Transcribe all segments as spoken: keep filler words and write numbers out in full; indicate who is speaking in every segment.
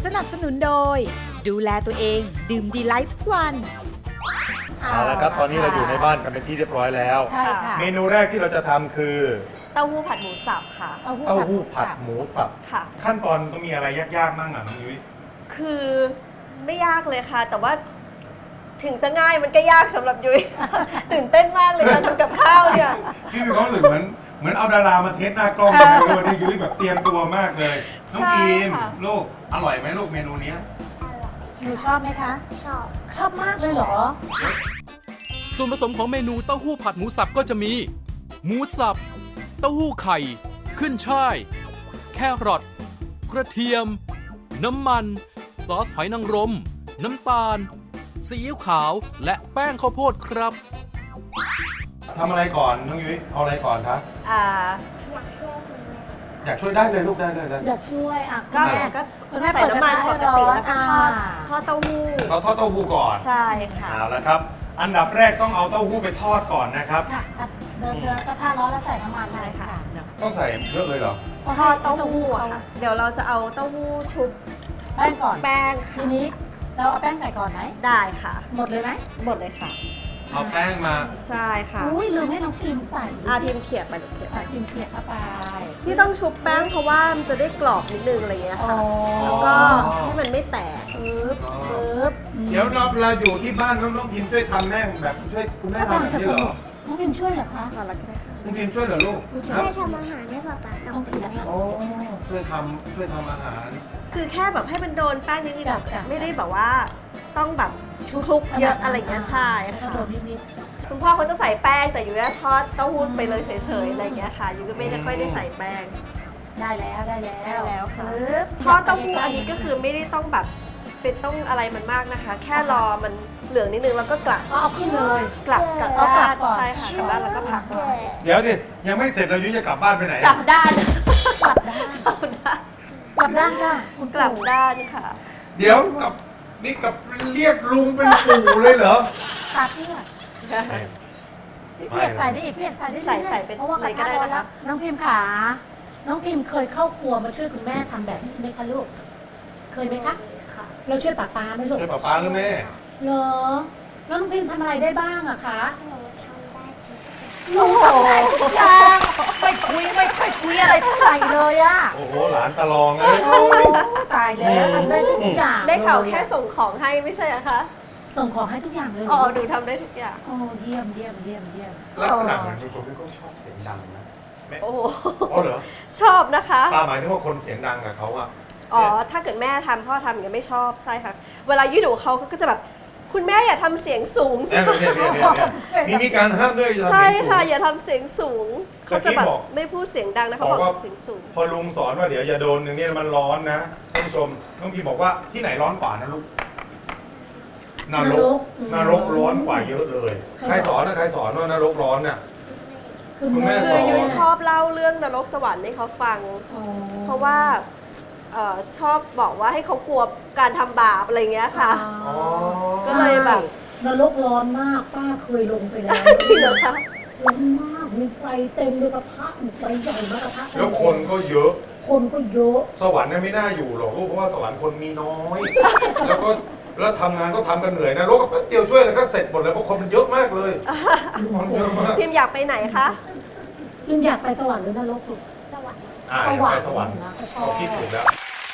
Speaker 1: สนับสนุนโดยดูแลตัวเองดื่มดีไลท์ทุกวัน
Speaker 2: เอาละครับตอนนี้เราอยู่ในบ้านกันเป็นที่เรียบร้อยแล้ว
Speaker 3: ใช่ค่ะ
Speaker 2: เมนูแรกที่เราจะทำคือ
Speaker 4: เต้าหู้ผัดหมูสับค่ะ
Speaker 3: เต้าหู้
Speaker 2: เต้า
Speaker 3: ผัดห
Speaker 2: หู้
Speaker 3: มู
Speaker 2: ผั
Speaker 3: สั
Speaker 2: ด
Speaker 3: บ
Speaker 2: หมูสับ
Speaker 4: ค่ะ
Speaker 2: ขั้นตอนต้องมีอะไรยากๆบ้างอ่ะน้องยุ้ย
Speaker 4: คือไม่ยากเลยค่ะ แต่ว่าถึงจะง่ายมันก็ยากสำหรับยุ้ย ตื่นเต้นมากเลยการทำกับข้าวเนี่ย
Speaker 2: พี่มีความรู้สึกเหมือนเหมือนเอาดารามาเทสหน้ากล้องเลยวันนี้ยุ้ยแบบเตรียมตัวมากเลยน้อง
Speaker 4: ใช่
Speaker 2: พีม
Speaker 4: ค่ะ
Speaker 2: ลูกอร่อยไหมลูกเมนูเนี้ย
Speaker 3: หนูชอบไหมคะ
Speaker 5: ชอบ
Speaker 3: ชอบมากเลยเหรอ
Speaker 6: ส่วนผสมของเมนูเต้าหู้ผัดหมูสับก็จะมี หมูสับ เต้าหู้ไข่ ขึ้นช่าย แครอทกระเทียม น้ำมัน ซอสหอยนางรม น้ำตาล ซีอิ๊วขาว และแป้งข้าวโพดครับ
Speaker 2: ทำอะไรก่อนน้องยุ้ยเอาอะไรก่อนครับ
Speaker 4: อ่า
Speaker 5: อยากช่วยคุณแม่
Speaker 2: อยากช่วยได้เลยลูกได้เลยได้
Speaker 3: อยากช่วยอ่ะ
Speaker 4: ก็
Speaker 3: คุณแม่
Speaker 4: ก็
Speaker 3: คุณแม่
Speaker 4: ใส่น้ำมันปกติแล้วก็ทอด
Speaker 3: อ่า
Speaker 4: ทอดเต้าหู้
Speaker 2: เราทอดเต้าหู้ก่อน
Speaker 4: ใช่ค่ะ
Speaker 2: เอาละครับ อันดับแรกต้องเอาเต้าหู้ไปทอดก่อนนะครับ
Speaker 3: ค่ะเดินเดินก็ท่าร้อนแล้วใส่น้ำมัน
Speaker 4: ใช่ค่ะ
Speaker 3: เดี๋ยว
Speaker 2: ต้องใส่เยอะเลยเหรอ
Speaker 4: ทอดเต้าหู้อะค่ะ เดี๋ยวเราจะเอาเต้าหู้ชุบ
Speaker 3: แป้งก่อน
Speaker 4: แป้ง
Speaker 3: ที
Speaker 4: ค่ะ
Speaker 3: นี้เราเอาแป้งใส่ก่อนไหม
Speaker 4: ได้ค่ะ
Speaker 3: หมดเลยไหม
Speaker 4: หมดเลยค่ะ
Speaker 2: เอาแป้งมา
Speaker 4: ใช่ค่ะ
Speaker 3: อุ้ยลืมให้น้องพิมใส่ดู
Speaker 4: อา
Speaker 3: สิ
Speaker 4: ทีมเขียบไปลูกเขียบไป
Speaker 3: อ่ะพิมเขียดเข้าไป
Speaker 4: ที่ต้องชุบแป้งเพราะว่ามันจะได้กรอบนิดนึงอะไรเงี้ย
Speaker 3: อ๋อ
Speaker 4: ค่ะ แล้วก็ให้มันไม่แตก
Speaker 3: ปึ๊บปึ๊บ
Speaker 2: เดี๋ยวเราเราอยู่ที่บ้านน้องน้องพิมช่วยทำแม่งแบบช่วยคุณแม่
Speaker 3: ถ้า
Speaker 2: ทำแบบ
Speaker 3: ทำจะ
Speaker 2: นี้
Speaker 3: ส
Speaker 2: เหร
Speaker 3: นุ
Speaker 2: อก
Speaker 3: น้องพิมช่วยเหรอคะ
Speaker 4: ก่อนละก็ได้ค่ะ
Speaker 2: น้องพิมช่วยเหรอลูก
Speaker 3: ช่วย
Speaker 2: ครั
Speaker 5: ให้
Speaker 2: บ
Speaker 5: ทำอาหารให้ป๊าป๊า
Speaker 3: ต้
Speaker 5: ต้
Speaker 3: อ
Speaker 5: อง ง
Speaker 3: ถื
Speaker 5: ถื
Speaker 3: อ
Speaker 5: อ
Speaker 3: นะ
Speaker 2: โอ้ช่วยทำช่วยทำอาหาร
Speaker 4: คือแค่แบบให้มันโดนแป้งนิด
Speaker 3: จ้ะจ้ะ
Speaker 4: ๆไม่ได้แบบว่าต้องแบบคลุกเยอะอะไรเงี้ยใช่
Speaker 3: ก็
Speaker 4: ค่ะ
Speaker 3: โดนนิด
Speaker 4: คุณพ่อเขาจะใส่แป้งแต่อยู่แค่ทอดเต้าหู้ไปเลยเฉยๆอะไรเงี้ยค่ะอยู่ก็ไม่ได้ค่อยได้ใส่แป้ง
Speaker 3: ๆได้แล้วได้แล้ว
Speaker 4: ได้แล้วค่ะ
Speaker 3: ปึ๊บ
Speaker 4: ทอดเต้าหู้อันนี้ก็คือไม่ได้ต้องแบบเป็นต้องอะไรมันมากนะคะ แค่รอมันเหลืองนิดนึงแล้วก็กลับ
Speaker 3: ก็เอาขึ้นเลย
Speaker 4: กลับกลับ
Speaker 3: เอากลั
Speaker 4: ด้า
Speaker 3: บ
Speaker 4: น
Speaker 3: ก่อน
Speaker 4: ใช่ค่ะกลับด้านแล้วก็พักไว้
Speaker 2: เดี๋ยวดิยังไม่เสร็จเรายุ้ยจะกลับบ้านไปไหน
Speaker 4: กลับด้าน
Speaker 3: กลับด้าน
Speaker 4: กลับด้าน
Speaker 3: กลับด้านค่ะคุณ
Speaker 4: กลับด้านค่ะ
Speaker 2: เดี๋ยวกับนี่กับเรียกลุงเป็นปู่เลยเหรอ
Speaker 3: ตาเชื่อพี่เพียกใส่ได้อีกพี่เพียกใส่ได้
Speaker 4: ใส่
Speaker 3: รื่อยๆ
Speaker 4: ใส่เป็น
Speaker 3: เพราะว่ากระ
Speaker 4: อะไรก็
Speaker 3: ทะ
Speaker 4: ได้
Speaker 3: ร้อน
Speaker 4: นะคะ
Speaker 3: แล้วน้องพิมพ์ขาน้องพิมพ์เคยเข้าครัวมาช่วยคุณแม่ทำแบบนี้ไหมคะลูกเคยไหมคะ
Speaker 5: ค่ะ
Speaker 3: เราช่วยป้าป้าไหมลูก
Speaker 2: ช่วยป้าป้าหรือแม่
Speaker 3: เหรอแล้วน้องพิมพ์ทำอะไรได้บ้างอะคะ
Speaker 5: หนูทำได้ทุกอย่าง
Speaker 3: โอ้โหทุกอย่างไม่คุยไม่ค่อยคุยอะไรเท่าไหร่เลยอะ
Speaker 2: โอ้โหหลานตะลองเลย
Speaker 3: โอ้ตายแล้วทำได้ทุกอย่าง
Speaker 4: ได้ข่าว
Speaker 3: เลย
Speaker 4: แค่ส่งของให้ไม่ใช่เหรอคะ
Speaker 3: ส่งของให้ทุกอย่างเลยเหร
Speaker 4: อ๋อดูทำได้ทุกอย่าง
Speaker 3: โอ้เยี่ยมเยี่ยมเยี่ยมเยี่ยม
Speaker 2: ลักษณะเหมือนเป็นคนที่เขาชอบเสียงดังนะแม่
Speaker 4: โอ้โห
Speaker 2: อ๋อเหรอ
Speaker 4: ชอบนะคะ
Speaker 2: ป้าหมายถึงว่าคนเสียงดังกับเขาอะ
Speaker 4: อ๋อ ถ้าเกิดแม่ทำพ่อทำอย่างเงี้ยไม่ชอบใช่ค่ะ เวลายืดดูเขาก็จะแบบ คุณแม่อย่าทำเสียงสูงสิ
Speaker 2: เนี่ย
Speaker 4: คะ
Speaker 2: เนี่ยเนี่ยเนี่ยมีมีการห้ามด้วยอย่าทำ
Speaker 4: ใช่
Speaker 2: เสียงสูง
Speaker 4: ค่ะ อย่าทำเสียงสูง เขาจะแบบ
Speaker 2: เมื่อกี้บอก
Speaker 4: ไม่พูดเสียงดังนะเขา
Speaker 2: บบ อ
Speaker 4: อก ก
Speaker 2: ว่า
Speaker 4: เสียงสูง
Speaker 2: พอลุงสอนว่าเดี๋ยวอย่าโดนอย่างนี้มันร้อนนะท่านผู้ชมน้องพีบอกว่าที่ไหนร้อนกว่านะลูกนรกนรกร้อนกว่าเยอะเลย ใครสอนนะใครสอนว่านรกร้อนน่ะ คุณแม่
Speaker 4: คือยุ้ยชอบเล่าเรื่องนรกสวรรค์ให้เขาฟัง
Speaker 3: อ๋อ
Speaker 4: เพราะว่าเอ่อชอบบอกว่าให้เขากลัวการทำบาปอะไรเงี้ยค่ะ
Speaker 2: อ๋อ
Speaker 4: ก็เลยแบบ
Speaker 3: นรกร้อนมากป้าเคยลงไปแล้ว
Speaker 4: จริงเหรอคะ
Speaker 3: ร้อนมากมีไฟเต็มเลยกระทะไฟใหญ่มากกระทะ
Speaker 2: แล้วคนก็เยอะ
Speaker 3: คนก็เยอะ
Speaker 2: สวรรค์เนี่ยไม่น่าอยู่หรอกลูกเพราะว่าสวรรค์คนมีน้อย แล้วก็แล้วทำงานก็ทำกันเหนื่อยนะโลกก็แป๊บเดียวช่วยแล้วก็เสร็จหมดเลยเพราะคนมันเยอะมากเลยคนเยอะมาก
Speaker 4: พิมพ์อยากไปไหนคะ
Speaker 3: พิมอยากไปสวรรค์หรือนรกลูก
Speaker 5: สวัสดี
Speaker 2: อ่าอยากไปสวรรค์
Speaker 3: นะ
Speaker 2: เขาคิดถูกแล้ว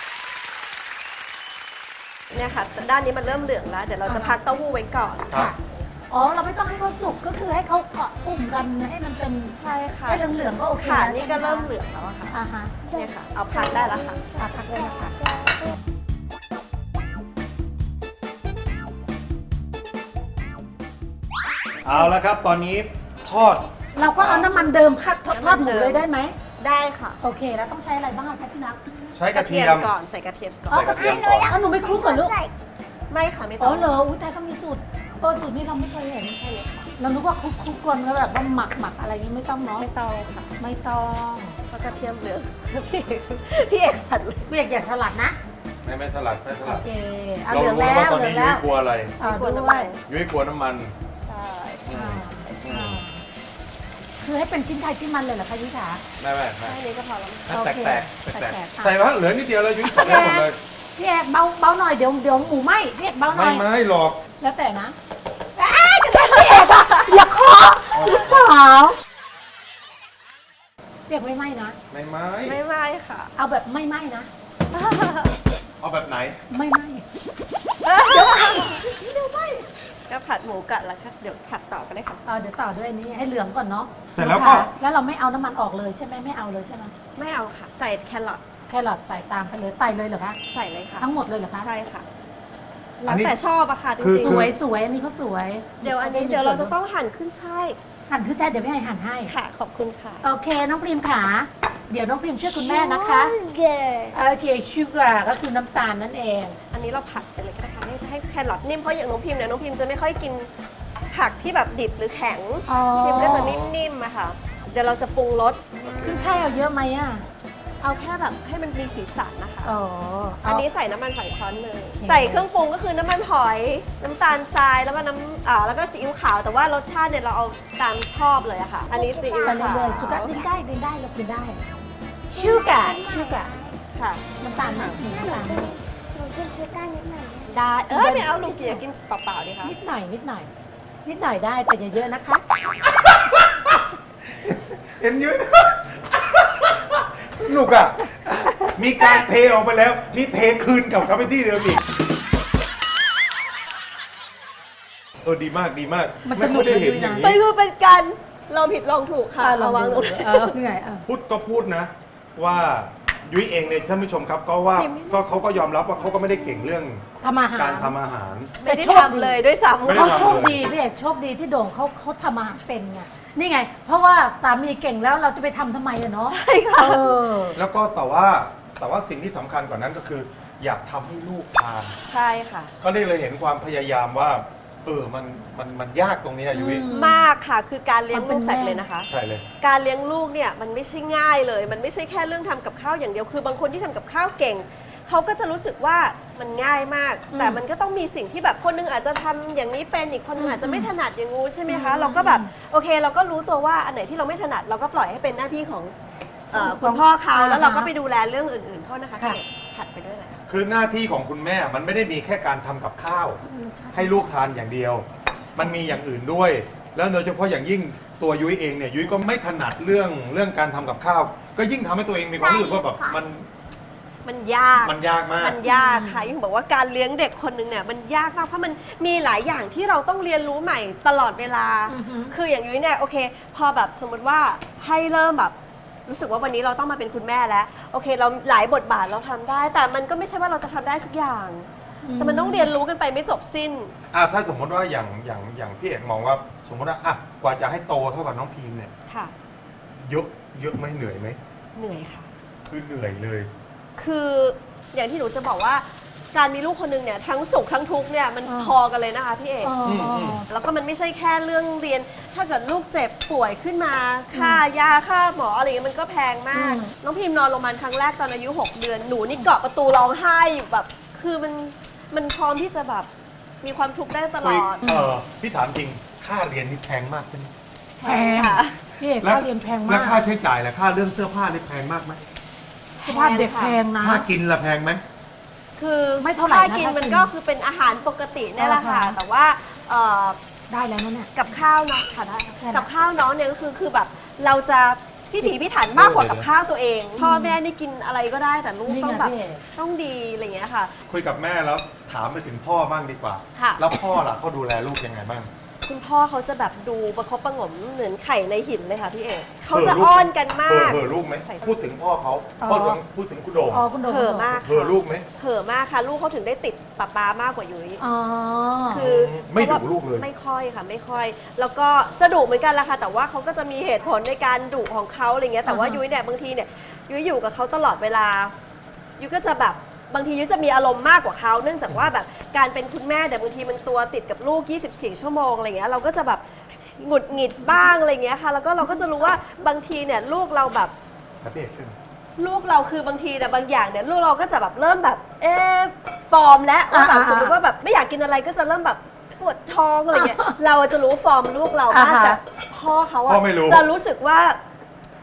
Speaker 4: เนี่ยค่ะ ด้านนี้มันเริ่มเหลืองแล้ว เดี๋ยวเราจะพักเต้าหู้ไว้ก่อน
Speaker 2: ครับ
Speaker 3: อ๋อเราไม่ต้องให้เขาสุกก็คือให้เขาเกาะกลุ่มกันให้มันเป็น
Speaker 4: ใช่ค่ะ
Speaker 3: ให้เหลืองๆก็โอเค
Speaker 4: ค่ะ
Speaker 3: แล้ว
Speaker 4: นี่ก็
Speaker 3: ใช่ไห
Speaker 4: เริ่มเหลืองแล้วอะค่ะ
Speaker 3: อ่าฮะ
Speaker 4: เนี่ยค่ะ เอาพักได้แล้วค่ะ
Speaker 3: อ่ะพักเลยนะคะ
Speaker 2: เอาละครับตอนนี้ทอด
Speaker 3: เราก็เอาน้ำมันเดิมพัดทอดทอดหมูเลยได้ไหม
Speaker 4: ได้ค่ะ
Speaker 3: โอเคแล้วต้องใช้อะไรบ้างคะที่รัก
Speaker 2: ใช้กระเทียม
Speaker 4: ก่อน ใส่กระเทียมก่อน
Speaker 2: ใส่กระเทียมก่อน
Speaker 3: อ๋อหนูไม่คลุกเหรอลูก
Speaker 5: ใส่
Speaker 4: ไม่ค่ะ ไม่ต้
Speaker 3: อ๋
Speaker 4: อ
Speaker 3: อง เหรออุ้ยแต่ก็มีสูตรเออสูตรนี้เราไม่เคยเห็น
Speaker 4: ใช่เลยค่ะ
Speaker 3: เรานึกว่าคลุกคลุกกันแล้วแบบว่าหมักหมักอะไรนี้ไม่ต้องเนาะ
Speaker 4: ไม่ต้องค่ะ
Speaker 3: ไม่ต้อง
Speaker 4: เพราะกระเทียมเหลือง พี่เอกพี่เอกผัดเลย
Speaker 3: เบียกอย่าสลัดนะ
Speaker 2: ไม่ไม่สลัดไม่ส
Speaker 3: โอ
Speaker 2: ลัด
Speaker 3: เคเอา
Speaker 2: เรา
Speaker 3: เหลือง
Speaker 2: รู้
Speaker 3: แล้
Speaker 2: ว่าว ตอน
Speaker 3: เหลื
Speaker 2: นี้
Speaker 3: อง
Speaker 2: ยุ้
Speaker 3: แล้
Speaker 2: ยว กลัวอะไร
Speaker 3: อ่า
Speaker 4: ไม่กลัว
Speaker 3: ด้
Speaker 4: น้ำ
Speaker 3: ว
Speaker 4: มั
Speaker 3: ย
Speaker 4: น
Speaker 2: ยุ้ยกลัวน้ำมัน
Speaker 4: ใช่
Speaker 3: อ่าอ่าคือให้เป็นชิ้นไทยชิ้นมันเลยเหรอคะยุ้ยขา
Speaker 2: ไม่ไม่ไม่
Speaker 4: แค่นี้ก็พอแล้ว
Speaker 2: ให้
Speaker 3: โอ
Speaker 2: แตก
Speaker 3: เค
Speaker 2: แตกแตกแตก
Speaker 3: แตกๆ
Speaker 2: ใส่ว่าเหลือนิดเดียวแล้วยุ้ยใส่ได้หมดเลย
Speaker 3: พี่เอกเบาเบาหน่อยเดี๋ยวเดี๋ยวหมูไหมพี่เอกเบาหน่
Speaker 2: ไม่
Speaker 3: อย
Speaker 2: ไม่หรอก
Speaker 3: แล้วแต่นะอ้าวจะได้พี่เอกอะอย่าเคาะลูกสาวพี่เอกไม่ไหมนะ
Speaker 2: ไม่ไม่
Speaker 4: ไม่ไม่ค่ะ
Speaker 3: เอาแบบไม่ไหมนะ
Speaker 2: เอาแบบไหน
Speaker 3: ไม่ไหม
Speaker 4: ก็ผัดหมูกัดแล้วค่ะเดี๋ยวผัดต่อกันเลยค่ะ
Speaker 3: เออเดี๋ยวต่อด้วยอันนี้ให้เหลืองก่อนเนาะ
Speaker 2: เสร็จแล้วก็
Speaker 3: แล้วเราไม่เอาน้ำมันออกเลยใช่ไหมไม่เอาเลยใช่ไหม
Speaker 4: ไม่เอาค่ะ ใส่แครอท
Speaker 3: แครอทใส่ตามไปเลยไตเลยเหรอคะ
Speaker 4: ใส่เลยค่ะ
Speaker 3: ทั้งหมดเลยเหรอคะ
Speaker 4: ใช่ค่ะ
Speaker 2: อั
Speaker 4: แล้
Speaker 2: น
Speaker 4: ว
Speaker 2: นี้
Speaker 4: แต่ชอบอะค่ะจ
Speaker 2: คือ
Speaker 4: ริง
Speaker 3: สวยสวยอันนี้เขาสวย
Speaker 4: ๆเดี๋ยวอันนี้เดี๋ยวเราจะต้องหั่นขึ้นช่าย
Speaker 3: หั่นชื่อแจ๊ดเดี๋ยวพี่ให้หั่นให้
Speaker 4: ค่ะ ขอบคุณค่ะ
Speaker 3: โอเคน้องพริมขาเดี๋ยวน้องพริมช่วยคุณแม่นะคะ
Speaker 5: เกอร์
Speaker 3: โอเคชูการ์ก็คือน้ำตาลนั่นเอง
Speaker 4: อันนี้เราผัดไปเลยก็ได้ค่ะนี่จะให้แครอทนิ่มเพราะอย่างน้องพิมเนี่ยน้องพิมจะไม่ค่อยกินผักที่แบบดิบหรือแข็ง
Speaker 3: อ๋อ
Speaker 4: พิมก็จะนิ่มๆอะค่ะ เดี๋ยวเราจะปรุงรส
Speaker 3: ขึ้นช่ายเอาเยอะไหมอ่ะ
Speaker 4: เอาแค่แบบให้มันมีสีสันนะคะ
Speaker 3: อ๋อ
Speaker 4: อัน
Speaker 3: เา
Speaker 4: นี้ใส่น้ำมันฝอยช้อนหนึ่ง
Speaker 3: โอเค
Speaker 4: ใส่เครื่องปรุงก็คือน้ำมันหอย น้ำตาลทรายแล้วก็น้ำอ่าแล้วก็ซีอิ๊วขาว แต่ว่ารสชาติเนี่ยเราเอาตามชอบเลยอะค่ะ อันนี้ซีอิ๊ว
Speaker 3: ไป
Speaker 4: ขาว
Speaker 3: เรื่อยๆสุกาดินได้ดินได้เรากินได้ชูการ์ชูการ์
Speaker 4: ค่ะ
Speaker 3: น้ำตาลไหมมีน้ำตาลไหม
Speaker 5: หนูกินชูการ์นิดหน่อยนะ
Speaker 4: ได้ เออไม่เอาลุงเกียร์กินเปล่าๆดีคะ
Speaker 3: นิดหน่อยนิดหน่อย นิดหน่อยได้แต่อย่าเยอะนะคะ
Speaker 2: เห็นอยืนลูกอ่ะ มีการเทออกไปแล้ว นี่เทคืนกลับเข้าไปที่เดิมอีกเออดีมากดีมาก
Speaker 3: มันสนุก
Speaker 2: ไค่อยได้เห็น
Speaker 3: เลย
Speaker 2: อ
Speaker 3: นะ
Speaker 2: ย่าง
Speaker 4: มัน
Speaker 2: นี้
Speaker 4: คือเป็นการลองผิดลองถูกค่ะ
Speaker 3: อ่ะลอง
Speaker 4: วาง
Speaker 3: ดู
Speaker 4: ลง
Speaker 3: เออเหนื่อยอ่ะ
Speaker 2: พูดก็พูดนะ ว่ายุ้ยเองเนี่ยท่านผู้ชมครับ ก็ว่าก็เขาก็ยอมรับว่าเขาก็ไม่ได้เก่งเรื่อง
Speaker 3: ทำอาหาร
Speaker 2: การทำอาหาร
Speaker 4: ไม่ได้ทำเลยด้วยซ้ำ
Speaker 2: ไม่ได้
Speaker 3: เขา
Speaker 2: ทำ
Speaker 3: โชคดีพี่เอกโชคดีที่โด่งเขาเขาทำอาหารเป็นไงนี่ไง เพราะว่าสามีเก่งแล้วเราจะไปทำทำไมอะเนาะ
Speaker 4: ใช่ค่ะ
Speaker 3: เออ
Speaker 2: แล้วก็แต่ว่าแต่ว่าสิ่งที่สำคัญกว่านั้นก็คือ อยากทำให้ลูกทาน
Speaker 4: ใช่ค่ะ
Speaker 2: ก็ได้เลยเห็นความพยายามว่าเออมันมันมันยากตรงนี้อะยุ้ย
Speaker 3: อืม
Speaker 4: มากค่ะคือการเลี้ยง
Speaker 3: มันเป็
Speaker 4: ลู
Speaker 3: น
Speaker 4: กสัตว์
Speaker 3: แม่
Speaker 4: เลยนะคะ
Speaker 2: ใช่เลย
Speaker 4: การเลี้ยงลูกเนี่ยมันไม่ใช่ง่ายเลย มันไม่ใช่แค่เรื่องทำกับข้าวอย่างเดียว คือบางคนที่ทำกับข้าวเก่ง เขาก็จะรู้สึกว่ามันง่ายมาก
Speaker 3: อืม
Speaker 4: แต่มันก็ต้องมีสิ่งที่แบบคนหนึงอาจจะทำอย่างนี้เป็น อีกคนหนึงอาจจะไม่ถนัดอย่างงู้นใช่ไหมคะ
Speaker 3: อืม
Speaker 4: เราก็แบบโอเค เราก็รู้ตัวว่าอันไหนที่เราไม่ถนัดเราก็ปล่อยให้เป็นหน้าที่ของเอ่อคุณพ่อเขาแล้วเราก็ไปดูแลเรื่องอื่นๆโทษนะคะ
Speaker 3: ค่ะ
Speaker 4: เด็กผัดไปด้วยเลย
Speaker 2: คือหน้าที่ของคุณแม่มันไม่ได้มีแค่การทำกับข้าว ให้ลูกทานอย่างเดียว มันมีอย่างอื่นด้วย แล้วโดยเฉพาะอย่างยิ่งตัวยุ้ยเองเนี่ยยุ้ยก็ไม่ถนัดเรื่องเรื่องการทำกับข้าว ก็ยิ่งทำให้ตัวเองมีความรู้สึกว่าแบบมัน
Speaker 4: มันยาก
Speaker 2: มันยากมาก
Speaker 4: มันยากค่ะยิ่งบอกว่าการเลี้ยงเด็กคนหนึ่งเนี่ยมันยากมากเพราะมันมีหลายอย่างที่เราต้องเรียนรู้ใหม่ตลอดเวลา
Speaker 3: อือฮึ
Speaker 4: คืออย่างยุ้ยเนี่ยโอเค พอแบบสมมติว่าให้เริ่มแบบรู้สึกว่าวันนี้เราต้องมาเป็นคุณแม่แล้วโอเค เราหลายบทบาทเราทำได้ แต่มันก็ไม่ใช่ว่าเราจะทำได้ทุกอย่าง แต่มันต้องเรียนรู้กันไปไม่จบสิ้น
Speaker 2: อ่ะถ้าสมมติว่าอย่างอย่างอย่างพี่เอกมองว่าสมมติว่าอ่ะกว่าจะให้โตเท่ากับน้องพีมเนี่ย
Speaker 4: ค่ะ
Speaker 2: เยอะเยอะไหมเหนื่อยไหม
Speaker 4: เหนื่อยค่ะ
Speaker 2: คือเหนื่อยเลย
Speaker 4: คืออย่างที่หนูจะบอกว่าการมีลูกคนหนึงเนี่ยทั้งสุขทั้งทุกข์เนี่ยมัน
Speaker 3: อ่า
Speaker 4: พอกันเลยนะคะพี่เอก
Speaker 3: อ๋ออ
Speaker 2: ม
Speaker 4: แล้วก็มันไม่ใช่แค่เรื่องเรียน ถ้าเกิดลูกเจ็บป่วยขึ้นมา ค่ายา ค่าหมออะไรเงี้ยมันก็แพงมาก
Speaker 3: อืม
Speaker 4: น้องพิมพ์นอนโรงพยาบาลครั้งแรกตอนอายุ หก เดือน หนูนี่เกาะประตูร้องไห้อยู่แบบ คือมัน มันพร้อมที่จะแบบมีความทุกข์ได้ตล
Speaker 2: คุย
Speaker 4: อด
Speaker 2: เออพี่ถามจริงค่าเรียนนี่แพงมากใช่ไหม
Speaker 3: แพง
Speaker 4: ค่ะ
Speaker 3: พี่เอกค่าเรียนแพง
Speaker 2: แล้
Speaker 3: มาว ก
Speaker 2: ค่าใช้จ่ายล่ะค่าเรื่องเสื้อผ้านี่แพงมากไหม
Speaker 3: สภาพเด็กแพงนะ
Speaker 2: ค่ากินล่ะแพงไหม
Speaker 4: คือ
Speaker 3: ไม่เท่าไหร่นะ
Speaker 4: ค่ากิน
Speaker 3: ถ้ากิน
Speaker 4: มันก็คือเป็นอาหารปกติเนี่ยแหละค่ะ
Speaker 3: อ่าฮะ
Speaker 4: แต่ว่าเอ่อ
Speaker 3: ได้แล้วนะเนี่ย
Speaker 4: กับข้าวเนาะค่ะได้
Speaker 3: แค่นั้น
Speaker 4: กับข้าวน้องเนี่ยก็คือคือแบบเราจะพิถีพิถันมากกว่ากับข้าวตัวเอง พ่อแม่นี่กินอะไรก็ได้แต่ลูก
Speaker 3: นี่
Speaker 4: ต้อง
Speaker 3: ไง
Speaker 4: แบบ
Speaker 3: พี่เอก
Speaker 4: ต้องดีอะไรอย่างเงี้ยค่ะ
Speaker 2: คุยกับแม่แล้วถามไปถึงพ่อบ้างดีกว่า
Speaker 4: ค่ะ
Speaker 2: แล้วพ่อล่ะเขาดูแลลูกยังไงบ้าง
Speaker 4: คุณพ่อเขาจะแบบดูประคบประหงมเหมือนไข่ในหินเลยค่ะพี่เอกเขา
Speaker 2: เห่อ
Speaker 4: จะ
Speaker 2: ลูก
Speaker 4: อ้อนกันมาก
Speaker 2: เห่อลูกไหม
Speaker 4: ใส่
Speaker 2: พูดถึงพ่อเขา
Speaker 3: อ๋อ
Speaker 2: พูดถึงพูดถึงคุณโด่ง
Speaker 3: อ๋อคุณโดม
Speaker 4: เห่อมาก
Speaker 2: เห่อลูกไหม
Speaker 4: เห่อมากค่ะ ลูกเขาถึงได้ติดป๊าป๊ามากกว่ายุ้ย
Speaker 3: อ๋อ
Speaker 4: คือ
Speaker 2: ไม่ดุ
Speaker 4: พราะว่า
Speaker 2: ลูกเลย
Speaker 4: ไม่ค่อยค่ะไม่ค่อย แล้วก็จะดุเหมือนกันละค่ะ แต่ว่าเขาก็จะมีเหตุผลในการดุของเขาอะไรเงี้ยแต่ว่า
Speaker 3: อ่าฮะ
Speaker 4: ยุ้ยเนี่ยบางทีเนี่ยยุ้ยอยู่กับเขาตลอดเวลายุ้ยก็จะแบบบางทียุ้ยจะมีอารมณ์มากกว่าเขาเนื่องจากว่าแบบการเป็นคุณแม่เดี๋ยวบางทีมันตัวติดกับลูกยี่สิบสี่ชั่วโมงอะไรเงี้ยเราก็จะแบบหงุดหงิดบ้างอะไรเงี้ยค่ะแล้วก็เราก็จะรู้ว่าบางทีเนี่ยลูกเราแบบ
Speaker 2: ครับพี่เอกขึ้น
Speaker 4: ลูกเราคือบางทีเนี่ยบางอย่างเนี่ยลูกเราก็จะแบบเริ่มแบบเอ๊ะฟอร์มแล้วว่าแบบ
Speaker 3: อ่าๆ
Speaker 4: สมมติว่าแบบไม่อยากกินอะไรก็จะเริ่มแบบปวดท้องอะไรเงี้ยเราจะรู้ฟอร์มลูกเรามาก
Speaker 3: อ่าฮะ
Speaker 4: แต่พ่อเขาอะ
Speaker 2: พ่อไม่รู้
Speaker 4: จะรู้สึกว่า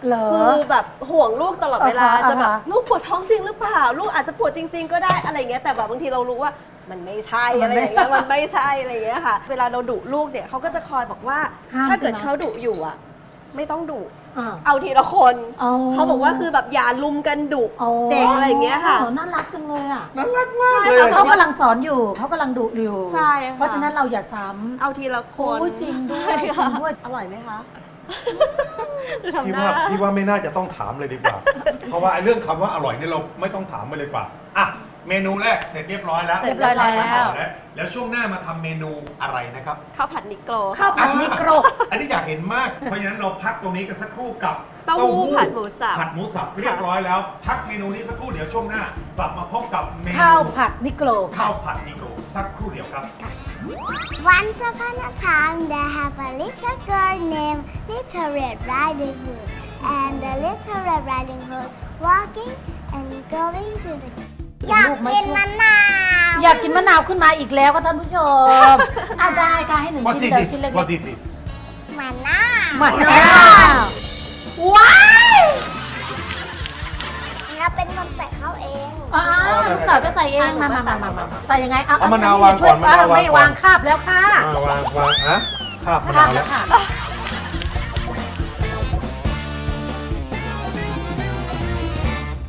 Speaker 3: เหรอ
Speaker 4: คือแบบห่วงลูกตลอดเวลา
Speaker 3: อ่าฮะ
Speaker 4: จะแบบ
Speaker 3: อ่าฮะ
Speaker 4: ลูกปวดท้องจริงหรือเปล่า ลูกอาจจะปวดจริง ๆ ก็ได้อะไรเงี้ยแต่แบบบางทีเรารู้ว่ามันไม่ใช่
Speaker 3: มั
Speaker 4: อะ
Speaker 3: น
Speaker 4: ไร
Speaker 3: ไม่
Speaker 4: อย่างเงี้ยมันไม่ใช่อะไรอย่างเงี้ยค่ะ เวลาเราดุลูกเนี่ยเขาก็จะคอยบอกว่า
Speaker 3: ห้าม
Speaker 4: ถ้าเกิด
Speaker 3: ใช่ไหม
Speaker 4: เขาดุอยู่อ่ะไม่ต้องดุ
Speaker 3: อ่า
Speaker 4: เอาทีละคน
Speaker 3: อ๋อ
Speaker 4: เขาบอกว่าคือแบบอย่าลุมกันดุ
Speaker 3: อ๋อ
Speaker 4: เด็กอะไรอย่างเงี้ยค่ะ
Speaker 3: น่ารักจังเลยอ่ะ
Speaker 2: น่ารักมากเลย
Speaker 3: เขากำลังสอนอยู่เขากำลังดุอยู่
Speaker 4: ใช่ค่ะ
Speaker 3: เพราะฉะนั้นเราอย่าซ้ำ
Speaker 4: เอาทีละคน
Speaker 3: โอ้ยจริงด้วย
Speaker 4: ใช่ค่ะ
Speaker 3: จริงด้วย
Speaker 4: อร่อยไหมคะทำ
Speaker 2: พี่
Speaker 4: หน้า
Speaker 2: ว่าพี่ว่าไม่น่าจะต้องถามเลยดีกว่า เพราะว่าไอ้เรื่องคำว่าอร่อยเนี่ยเราไม่ต้องถามไปเลยกว่าอ่ะเมนูแรกเสร็จเรียบร้อยแล้ว
Speaker 3: เสร็จเรียบร้อยแล้ว
Speaker 2: ไปต่อแล้วแล้วช่วงหน้ามาทำเมนูอะไรนะครับ
Speaker 4: ข้าวผัดนิโกร
Speaker 3: ข้าวผัดนิโกร
Speaker 2: อันนี้อยากเห็นมาก เพราะฉะนั้นเราพักตรงนี้กันสักครู่กับ
Speaker 4: เต้าหู้ผัดหมูสับ
Speaker 2: ผัดหมูสับเรียบร้อยแล้ว พักเมนูนี้สักครู่เดี๋ยวช่วงหน้ากลับมาพบกับเมนู
Speaker 3: ข้าวผัดนิโกร
Speaker 2: ข้าวผัดนิโกรสักครู่เดียวครับ
Speaker 5: Once upon a time, there have a little girl named Little Red Riding Hood, and the Little Red Riding Hood walking and going to the. อยากกินมะนาว
Speaker 3: อยากกินมะนาวขึ้นมาอีกแล้วค่ะท่านผู้ชมเอาได้ค่ะให้หนึ่ง
Speaker 2: What
Speaker 3: ชิ้น
Speaker 2: is
Speaker 3: เดียว
Speaker 2: this
Speaker 3: ชิ้นเล็ก
Speaker 2: What is this
Speaker 5: มะนาว
Speaker 3: ๆมะนาวว้าย
Speaker 5: เราเป็นคนใส่เขาเอง
Speaker 3: อ้าวลูกสาวจะใส่เองมามามามามาใส่ยังไงเอา
Speaker 2: เอามะนาววางก่อน
Speaker 3: ช่วย
Speaker 2: มะนาววางก่อน
Speaker 3: ไม่วางคาบแล้วค่ะ
Speaker 2: อ่าวางวางอะข้าวมะ
Speaker 3: คาบ
Speaker 2: นาว
Speaker 3: แล้
Speaker 2: แล้ว ว
Speaker 3: ค่ะ